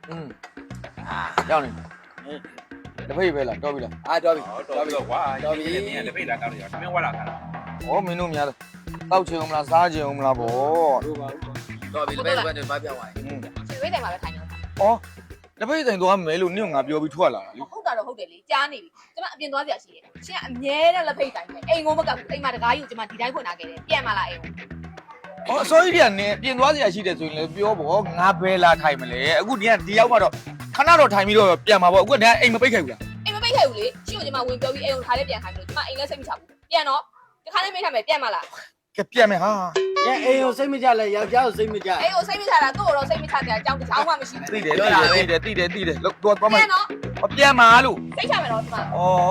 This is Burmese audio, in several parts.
ရောက်နေတပိတ်ပဲလားတော်ပြီလားအာတော်ပြီတော်ပြီကွာတော်ပြီနင်ကတပိတ်လာကောက်ရတာမင်းဝါလာခံတာဩမင်းတို့များတောက်ချင်အောင်မလားစားချင်အောင်မလားဗောတော်ပြီတပိတ်ပဲဘာပြောင်းသွားရွှေတိုင်မှာပဲထိုင်နေတာဩတပိတ်တိုင်သွားမယ်လို့နင့်ကငါပြောပြီးထွက်လာတာလေဟုတ်တာတော့ဟုတ်တယ်လေကြားနေပြီကျမအပြင်သွားစရာရှိတယ်ရှင်ကအမြဲတမ်းလက်ဖိတ်တိုင်ပဲအိမ်ကိုမကဘူးအိမ်မှာတကားကြီးကိုကျမဒီတိုင်းဖွင့်ထားခဲ့တယ်ပြန်မလာအိမ်ကိုအစိုးရကနင်ပြင်သွားစရာရှိတယ်ဆိုရင်လည်းပြောဗောငါဘယ်လာထိုင်မလဲအခုဒီရောက်မှတော့ခဏတော့ထိုင်ပြီးတော့ပြန်မှာဗောအခုကတည်းကအိမ်မပိတ်ခဲ့ဘူးလားအိမ်မပိတ်ခဲ့ဘူးလေရှင်ကိုကျမဝင်ပြောပြီးအိမ်ကိုထားလေးပြန်ခိုင်းလို့ကျမအိမ်လည်းစိတ်မချဘူးပြန်တော့တခါလေးမိထားမယ်ပြန်မလာကဲပြန်မယ်ဟာညအိမ်ကိုစိတ်မကြလဲယောက်ျားကိုစိတ်မကြအိမ်ကိုစိတ်မချတာသူ့ကိုတော့စိတ်မချတဲ့အကြောင်းတစ်ချောင်းမှမရှိဘူးသိတယ်လောက်တော့မယ်ပြန်တော့ပြန်မှာလို့စိတ်ချမယ်တော့ကျမဩ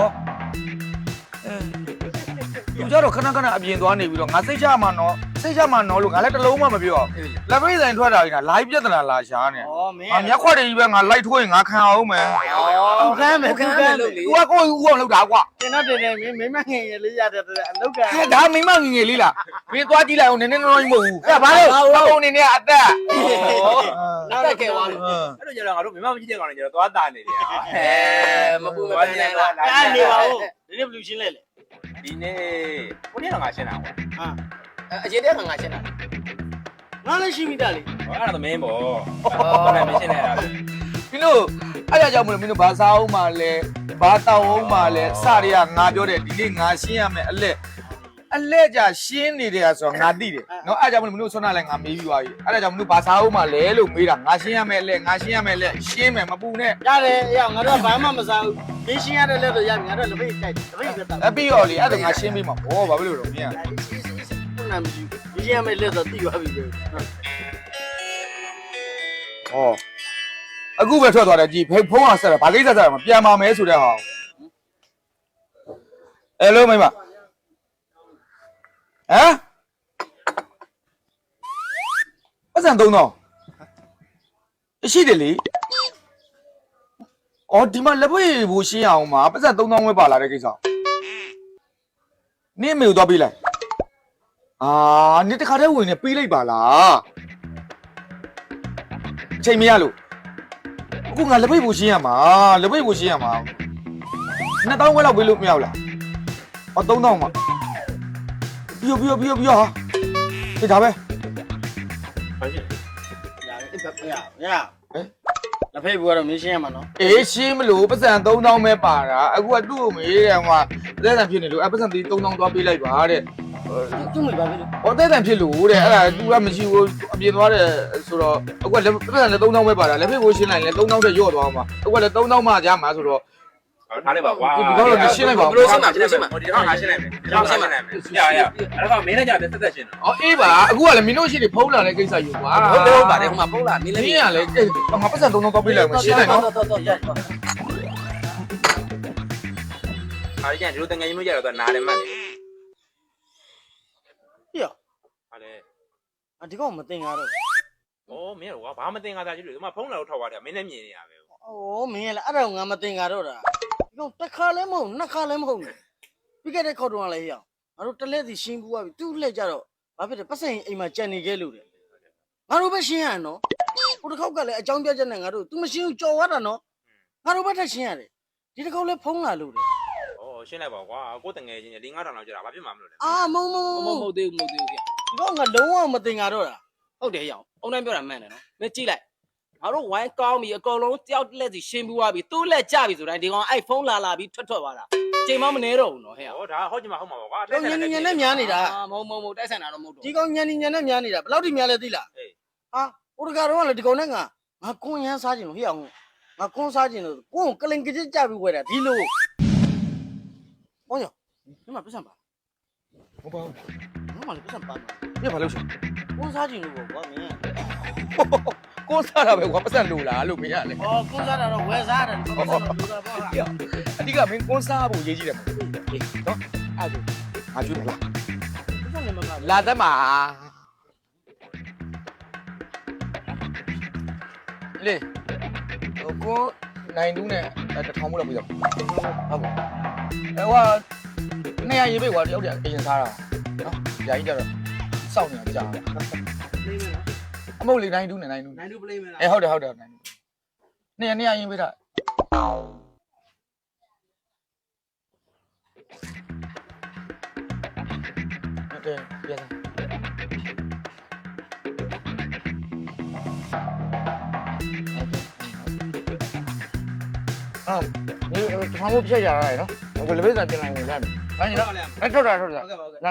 သူကြတော့ခဏခဏအပြင်သွားနေပြီးတော့ငါစိတ်ချမှာနော်လို့ငါလည်းတစ်လုံးမှမပြောလက်ပိတ်ဆိုင်ထွက်တာကြီးကလာပြဿနာလာရှာနေဩမင်းငါမျက်ခွက်တွေကြီးပဲငါလိုက်ထိုးရင်ငါခံအောင်မယ်ဩခမ်းမယ်ခမ်းမယ်လို့သူကကိုယ်ဦးအောင်လုပ်တာကွာတင်တော့တင်မင်းမငယ်ငယ်လေးရတဲ့အလုတ်ကဟဲ့ဒါမိမငငယ်လေးလားမင်းသွားကြည့်လိုက်အောင်နည်းနည်းနော်မဟုတ်ဘူးအဲ့ဘာလို့အကုန်နေနေအသက်နောက်တော့ကဲသွားလို့အဲ့လိုကြတော့ငါတို့မမမကြည့်တဲ့ကောင်တွေကြတော့သွားတာနေတယ်မပူမပန်းနဲ့လားအဲ့နေပါဦးဒီနေ့ဘလူးရှင်းလဲလေဒီနေ့ကိုနေ့တော့ငါရှင်းတာပေါ့ဟာအရင်တည်းကငါရှင်းတာငါလည်းရှိမိတာလေဟောအဲ့ဒါသမင်းပေါ့ဟုတ်တယ်မရှင်းနေတာမင်းတို့အဲ့ဒါကြောင့်မလို့မင်းတို့ဘာစားအောင်မှလဲဘာတောက်အောင်မှလဲစတွေကငါပြောတယ်ဒီနေ့ငါရှင်းရမယ်အလက်ကြရှင်းနေတယ်ဆိုတော့ငါသိတယ်နော်အဲ့ဒါကြောင့်မလို့မင်းတို့ဆွမ်းနာလဲငါမေးပြီးသွားပြီအဲ့ဒါကြောင့်မင်းတို့ဘာစားအောင်မှလဲလို့မေးတာငါရှင်းရမယ်အလက်ရှင်းမယ်မပူနဲ့ရတယ်အေးငါတို့ဘာမှမစားဘူးမင်းရှင်းရတဲ့လက်တော့ရပြီငါတို့လက်ဖိတ်တိုက်လက်ဖိတ်ပဲတောက်အပြီးရောလေအဲ့ဒါငါရှင်းပြီးမှာဘောဘာဖြစ်လို့တော့မင်းကခုနမရှိဘူးရှင်းရမယ့်လက်တော့တိသွားပြီပဲဟောအခုပဲထွက်သွားတယ်ကြည်ဖုန်းအောင်ဆက်တာဘာကိစ္စဆက်တာမပြန်ပါမယ်ဆိုတဲ့ဟာအဲ့လိုမိမဟမ်ပတ်စံ3000ရှိတယ်လေအော်ဒီမှာလက်ပွေဘူးရှင်းအောင်မှာပတ်စံ3000ပဲပါလာတဲ့ကိစ္စနင့်မေကိုသွားပေးလိုက်အာနင့်တခါတည်းဝင်နေပေးလိုက်ပါလားအချိန်မရလို့အခုငါလက်ပိတ်ဘူးရှင်းရမှာ2000ခွဲလောက်ပေးလို့မရဘူးလားအော်3000မှာပြီးဟာဒီဒါပဲဘာရှင်းရလက်ဖိတ်ဘူးကတော့မင်းရှင်းရမှာနော်အေးရှင်းမလို့ပတ်စံ3000ပဲပါတာအခုကသူ့ကိုမေးတယ်ဟိုသက်တံဖြစ်နေလို့ပတ်စံ3000သွားပေးလိုက်ပါတဲ့သူ့မိပါပြီလို့ဟောသက်တံဖြစ်လို့တဲ့အဲ့ဒါ तू ကမရှိဘူးအပြင်သွားတယ်ဆိုတော့အခုကလက်ပတ်စံလည်း3000ပဲပါတာလက်ဖိတ်ကိုရှင်းလိုက်ရင်လည်း3000တက်ရော့သွားအောင်ပါအခုကလည်း3000မှကြာမှာဆိုတော့ထားလိုက်ပါကွာဒီကတော့ရှင်းလိုက်ပါဘလို့ရှင်းမှာဒီတော့ငါရှင်းလိုက်မယ်ဒီတော့ရှင်းလိုက်မယ်ရအဲ့တော့မင်းလည်းကြတယ်တက်ရှင်းတော့အော်အေးပါအခုကလည်းမင်းတို့ရှိနေဖုံးလာတဲ့ကိစ္စယူကွာဟုတ်ပါတယ်ဟိုမှာဖုန်းလာမင်းလည်းမင်းကလည်းငါပတ်စံ3000သွားပေးလိုက်မှရှင်းနိုင်နော်အားရဒီလိုတငယ်ချင်းတို့ကြတော့နားတယ်မှတ်တယ်ပြဟာလေဒီကောင်မတင်ရတော့ဩမင်းကဘာမတင်ငါသားကြည့်လို့ဒီမှာဖုန်းလာတော့ထောက်သွားတယ်မင်းလည်းမြင်နေရပဲဩမင်းလည်းအဲ့ဒါငါမတင်ရတော့တာဒီကောင်တစ်ခါလည်းမဟုတ်နှစ်ခါလည်းမဟုတ်ပြီးခဲ့တဲ့ခေါက်တော့လည်းရအောင်ငါတို့တလက်စီရှင်းပူသွားပြီသူ့လက်ကြတော့ဘာဖြစ်တယ်ပတ်စံအိမ်မှာကြံနေခဲ့လို့တယ်ငါတို့ပဲရှင်းရနော်ဟိုတစ်ခေါက်ကလည်းအကြောင်းပြချက်နဲ့ငါတို့ तू မရှင်းဘူးကြော်သွားတာနော်ငါတို့ပဲထက်ရှင်းရတယ်ဒီတစ်ခေါက်လည်းဖုံးလာလို့တယ်ဩရှင်းလိုက်ပါကွာကိုတငယ်ချင်း၄-၅တောင်လောက်ကြာတာဘာဖြစ်မှမလို့လဲအာမုံမဟုတ်သေးဘူးဗျဒီကောင်ကလုံးဝမတင်ရတော့တာဟုတ်တယ်ရအောင်အုံတိုင်းပြောတာမှန်တယ်နော်မင်းကြည့်လိုက်ငါတို့ဝိုင်းကောင်းပြီအကုန်လုံးတယောက်လက်စီရှင်းပြီးသွားပြီသူ့လက်ကြပြီဆိုတိုင်းဒီကောင်အဲ့ဖုန်းလာပြီးထွက်သွားတာချိန်မမနေတော့ဘူးနော်ဟဲ့ဩဒါဟုတ်ချင်မှာဟုတ်မှာပါကွာညင်ညင်နဲ့များနေတာမဟုတ်တိုက်ဆိုင်တာတော့မဟုတ်တော့ဒီကောင်ညင်ညင်နဲ့များနေတာဘယ်လောက်ထိများလဲသိလားဟာဟိုတကတော့လည်းဒီကောင်နဲ့ငါကွန်းရမ်းစားခြင်းလို့ဟေ့အောင်ငါကွန်းစားခြင်းလို့ကွန်းကလင်ကကြစ်ကြပြီးဝဲတာဒီလိုဟောရဒီမှာပတ်စံပါဟုတ်ပါဘူးငါမှလည်းပတ်စံပါပြဘာလို့ရှင်းကွန်းစားခြင်းလို့ကွာမင်းကိုစားတာပဲကွာပတ်စံလိုလားလို့မင်းကလည်းအော်ကွန်းစားတာတော့ဝဲစားတယ်ပတ်စံလိုတာပေါ့ဟာအဓိကမင်းကိုစားဖို့ရေးကြည့်တယ်မဟုတ်နော်အဲ့ဒါငါကျွေးမလားပတ်စံလည်းမကလာသက်မှာလေဟိုကိုနိုင်တူးနဲ့1000မို့လောက်ပြရဟုတ်ပါအဲ့ဟိုနေရရေးပေးကွာတယောက်တည်းအရင်စားတာနော်ညာကြီးကြတော့စောင့်နေတာကြာလေးမလားအမဟုတ်လေနိုင်တူးနဲ့နိုင်တူးနိုင်တူပလေးမလားဟုတ်တယ်နိုင်တူးနေရရင်ပေးတာဟုတ်တယ်ပြန်လာအာဒီဘာလို့ပြည့်ရတာလဲနော်ဘယ်လိုပဲပြန်လာနေလဲဘာညတော့အဲ့ထွက်တာလာကိုတ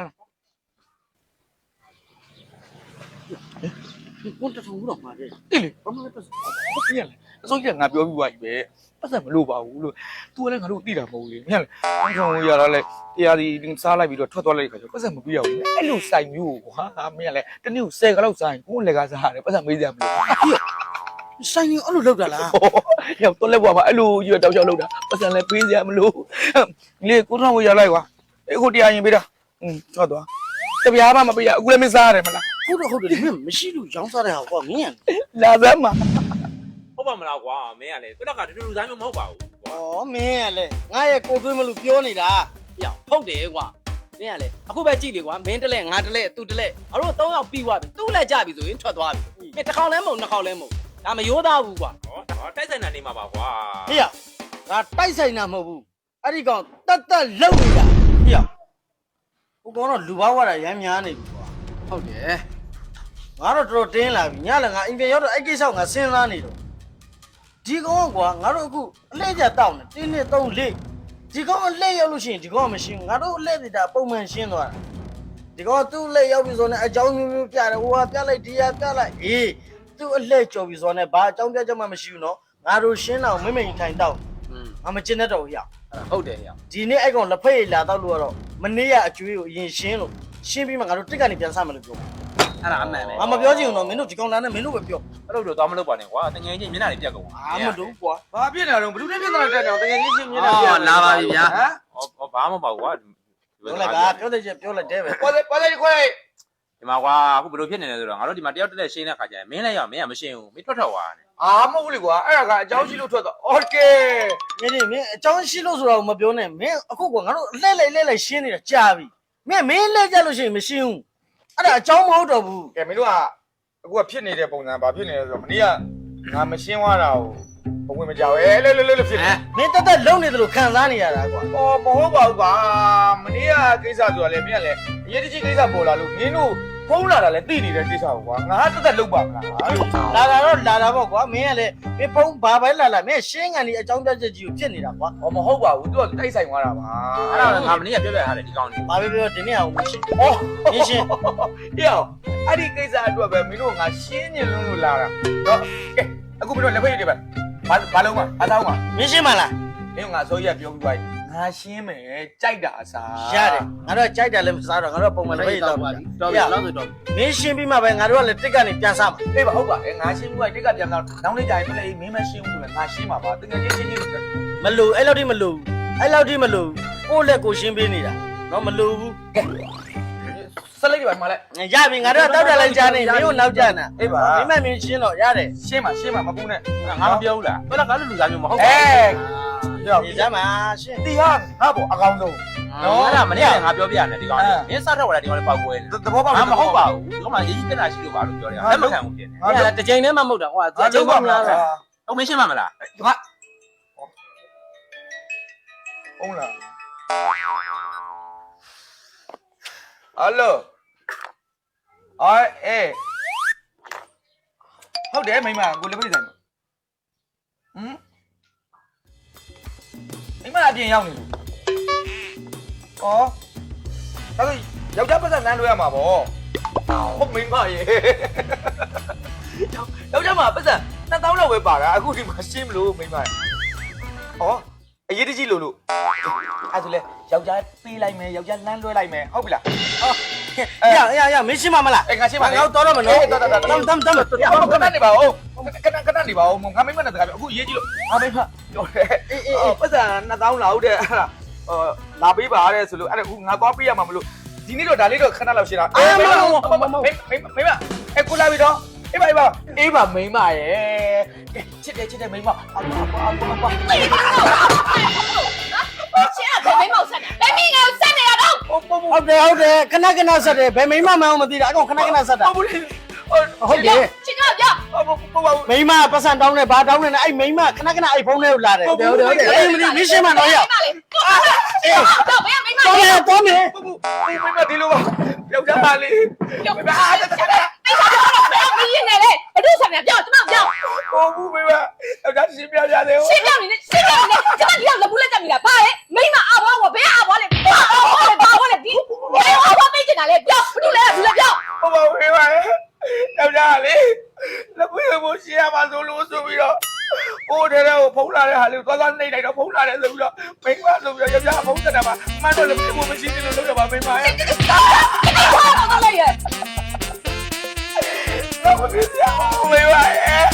ထုံဘူးတော့မှာတယ်တိလေဘာမှမပတ်စဘူးပြရလဲအစိုးရငါပြောပြီးသွားပြီပဲပတ်စံမလို့ပါဘူးလို့ तू လည်းငါတို့သိတာမဟုတ်လေမြင်လားအကောင်ရတာလဲတရားဒီစားလိုက်ပြီးတော့ထွက်သွားလိုက်ခါကျပတ်စံမပြရဘူးအဲ့လိုစိုင်မျိုးကွာမင်းကလည်းတနေ့ကို10ကလောက်စိုင်ကိုယ်လည်းကစားရတယ်ပတ်စံမေးစရာမလိုဆိုင်ကြီးအဲ့လိုလောက်တာလားရောက်တော့လက်ဘွားမှာအဲ့လိုရွတောက်ချောက်လောက်တာပတ်စံလည်းပေးစရာမလိုလေကိုထောင်ကိုရလိုက်ကွာအခုတရားရင်ပေးတာထွက်သွားတပြားမှမပေးရအခုလည်းမစားရတယ်မလားဟုတ်တယ်မင်းမရှိလို့ရောင်းစားတဲ့ဟာကွာမင်းလာစမ်းမှာဟုတ်ပါမလားကွာမင်းကလေတော့ကတူတူဆိုင်မျိုးမဟုတ်ပါဘူးဩမင်းကလည်းငါရဲ့ကိုသွေးမလို့ပြောနေတာပြောဟုတ်တယ်ကွာမင်းကလေအခုပဲကြည့်လေကွာမင်းတလဲငါတလဲသူတလဲငါတို့3ယောက်ပြီးသွားပြီသူ့လက်ကြပြီဆိုရင်ထွက်သွားပြီမင်းတစ်ခေါက်လဲမဟုတ်နှစ်ခေါက်လဲမဟုတ်ဒါမရိုးသားဘူးကွာဟောတိုက်ဆိုင်တာနေမှာပါကွာဟေ့ရငါတိုက်ဆိုင်တာမဟုတ်ဘူးအဲ့ဒီကောင်တက်တက်လုံနေတာဟေ့ရဟိုကောင်တော့လူဘာဝတာရမ်းများနေပြီကွာဟုတ်တယ်ငါတော့တော်တော်တင်းလာပြီညလည်းငါအိမ်ပြန်ရောက်တော့အဲ့ကိစ္စကိုငါစဉ်းစားနေတော့ဒီကောင်ကွာငါတို့အခုအလဲကျတောက်နေတင်းနဲ့3 4ဒီကောင်အလဲရောက်လို့ရှိရင်ဒီကောင်ကမရှင်းငါတို့အလဲနေတာပုံမှန်ရှင်းသွားတာဒီကောင်သူ့အလဲရောက်ပြီဆိုတော့အကြောင်းမျိုးမျိုးပြတယ်ဟိုကပြလိုက်ဒီကပြလိုက်အေးသူ့အလဲကြော်ပြီဆိုတော့ဘာအကြောင်းပြချက်မှမရှိဘူးနော်ငါတို့ရှင်းတော့မိမ့်ထိုင်တောက်ငါမကျင်တတ်တော့ဘူးရဟုတ်တယ်ဟဲ့ဒီနေ့အဲ့ကောင်လက်ဖက်ရည်လာတော့လို့ကတော့မနေ့ကအကျွေးကိုအရင်ရှင်းလို့ရှင်းပြီးမှငါတို့တစ်ကနေပြန်စမယ်လို့ပြောအဲ့ဒါအမှန်ပဲငါမပြောချင်ဘူးနော်မင်းတို့ဒီကောင်လာနဲ့မင်းတို့ပဲပြောအဲ့လိုတော့သွားမလုပ်ပါနဲ့ကွာတငယ်ချင်းမျက်နှာတွေပြတ်ကုန်အာမတို့ကွာဘာဖြစ်နေတာတော့ဘလူးနဲ့ပြင်တာတက်တယ်တကယ်ကြီးရှင်းမြင်တာလာပါပြီဗျာဟောဘာမှမပေါ့ကွာပြောလိုက်ပါပြောတဲ့ချက်ပြောလိုက်တယ်ပဲပေါ်လေခွဲဒီမှာကွာအခုဘယ်လိုဖြစ်နေလဲဆိုတော့ငါတို့ဒီမှာတယောက်တက်လက်ရှင်းတဲ့ခါကျရင်မင်းလည်းရောက်မင်းကမရှင်းဘူးမင်းထွက်သွားတယ်အာမဟုတ်လေကွာအဲ့ဒါကအကြောင်းရှိလို့ထွက်သွားโอเคမင်းမင်းအကြောင်းရှိလို့ဆိုတော့မပြောနဲ့မင်းအခုကငါတို့လှဲ့လိုက်ရှင်းနေတာကြာပြီမင်းလှဲ့ကြလို့ရှိရင်မရှင်းဘူးအဲ့ဒါအကြောင်းမဟုတ်တော့ဘူးကဲမင်းတို့ကအခုကဖြစ်နေတဲ့ပုံစံဘာဖြစ်နေလဲဆိုတော့မနေ့ကငါမရှင်းသွားတာကိုဘဝင်မကြောက်ရဲလဲဖြစ်နေမင်းတက်လုံးနေတယ်လို့ခံစားနေရတာကွာအော်မဟုတ်ပါဘူးကွာမနေ့ကကိစ္စဆိုတာလေမင်းကလည်းအရေးတကြီးကိစ္စပေါ်လာလို့မင်းတို့ဖုံးလာတာလည်းသိနေတဲ့ကိစ္စကိုကွာငါတက်လုပ်ပါမလားလာတာပေါ့ကွာမင်းကလည်းမင်းဖုံးဘာပဲလာမင်းရှင်းကန်ဒီအကြောင်းပြချက်ကြီးကိုဖြစ်နေတာကွာအော်မဟုတ်ပါဘူးသူကတိုက်ဆိုင်သွားတာပါအဲ့ဒါငါမနေ့ကပြောပြထားတယ်ဒီကောင်းနေဘာပဲပြောဒီနေ့အောင်မရှင်းအော်မင်းရှင်းဟေ့အောင်အဲ့ဒီကိစ္စအတွက်ပဲမင်းတို့ငါရှင်းနေလို့လာတာတော့ကဲအခုမင်းတို့လက်ဖက်ရည်တွေပဲဘာလုံးမအသားမမင်းရှင်းမလားမင်းငါဆိုရပြောပြီးပါငါရှင်းမယ်ကြိုက်တာအစားရတယ်ငါတို့ကြိုက်တယ်လည်းမစားတော့ငါတို့ပုံမှန်ပဲတော့ပါတော်ပြီလောက်ဆိုတော့မင်းရှင်းပြီးမှပဲငါတို့ကလည်းတစ်ကနေပြန်စားမှာအေးပါဟုတ်ပါငါရှင်းပြီးတက်ကပြန်တော့နောက်နေ့ကျရင်လည်းမင်းမရှင်းဘူးဆိုရင်ငါရှင်းမှာပါတကယ်ချင်းလို့မလို့အဲ့လောက်ထိမလို့ကိုယ့်လက်ကိုရှင်းပေးနေတာတော့မလို့ဘူးဆက်လိုက်ပါမလားရပြီငါတို့တောက်တယ်လိုက်ကြားနေမင်းတို့နောက်ကျနာမင်းရှင်းတော့ရတယ်ရှင်းမှာမပူနဲ့ငါမပြောဘူးလားဘယ်တော့ကလူစားမျိုးမဟုတ်အေးဒီစမ်းမှာရှင်းတီဟာငါပေါ့အကောင်ဆုံးနော်အဲ့ဒါမနေ့ကငါပြောပြရတယ်ဒီကောင်းနေမင်းစားတော့လာဒီကောင်းလေးပေါက်ပွဲသဘောပေါက်ငါမဟုတ်ပါဘူးဒီကောင်မှရေးကြီးပြတာရှိလို့ပါလို့ပြောတယ်လက်မခံဘူးဖြစ်နေအဲ့ဒါတစ်ချိန်နဲ့မှမဟုတ်တာဟိုအချိန်မှမလားဟုတ်မင်းရှင်းမှမလားငါဟုတ်လားဟယ်လိုအေးဟုတ်တယ်မိမကိုလည်းပြည့်ဆိုင်ပါမိမအပြင်ရောက်နေလို့ဩဒါဆိုယောက်ျားပတ်စံနန်းလို့ရမှာဗောဟုတ်မိမရေယောက်ျားမှာပတ်စံ2000လောက်ပဲပါတာအခုဒီမှာရှင်းမလို့မိမဩအရေးတကြီးလို့အဲ့ဆိုလဲယောက်ျားပေးလိုက်မယ်ယောက်ျားလမ်းလွှဲလိုက်မယ်ဟုတ်ပြီလားရမင်းရှင်းမလားငါရှင်းပါငါတော့တော့မနော်တမ်ခဏနေပါဦးခဏနေပါဦးငါမိမနဲ့တကားအခုရေးကြည့်လို့ငါမိမပြောတယ်ပတ်စံ2000လောက်တဲ့အဲ့ဒါလာပေးပါတဲ့ဆိုလို့အဲ့ဒါအခုငါသွားပေးရမှာမလို့ဒီနေ့တော့ဒါလေးတော့ခဏလောက်ရှင်းတာမိမကိုလာပြီတော့အေးပါမိမရဲ့ချစ်တယ်မိမရှင်းကဘယ်မိမောက်ဆက်နေဘယ်မိငါ့ကိုဆက်နေတာတော့ဟုတ်တယ်ခဏဆက်တယ်ဘယ်မိမမှန်းမသိတာအကောင်ခဏဆက်တာဟုတ်ဘူးလေဟုတ်တယ်ရှင်းကပြောဟုတ်မိမပတ်စံတောင်းနေဘာတောင်းနေလဲအဲ့မိမခဏခဏအဲ့ဖုန်းထဲကိုလာတယ်အဲ့မင်းရှင်းမတော့ရမလေးတော့ဘယ်မိမတော်တယ်တော်မယ်မိမဒီလိုပါယောက်ျားပါလေမိမအားတက်တယ်အိမ်မှာတော့ဘယ်မင်းနေလဲဘယ်သူဆံမြပြောကျမပြောဟိုဘူးမိမယောက်ျားရှင်းပြရတယ်ရှင်းပြနေရှင်းပြနေကျမဒီတော့လပူလက်တက်မိတာဘာလဲမိမအဘွားကဘယ်အဘွားလဲဘာလဲဒီဘယ်အဘွားပေးချင်တာလဲပြောဘယ်သူလဲဘူးလဲပြောဟုတ်ပါမိမယောက်ျားလေလက်ပွေးကိုရှင်းရမှာဆိုလို့ဆိုပြီးတော့ဟိုတဲ့ကိုဖုံးလာတဲ့ဟာလေးကိုသွားနေလိုက်တော့ဖုံးလာတယ်ဆိုပြီးတော့မိမဆိုပြီးတော့ယောက်ျားဖုံးတက်တာပါမှန်တော့လည်းဘယ်မရှိသေးလို့လုပ်ရပါမိမရဲ့ဘာလို့လဲရဲ့တော့မဖြစ်ရဘူးမိမရဲ့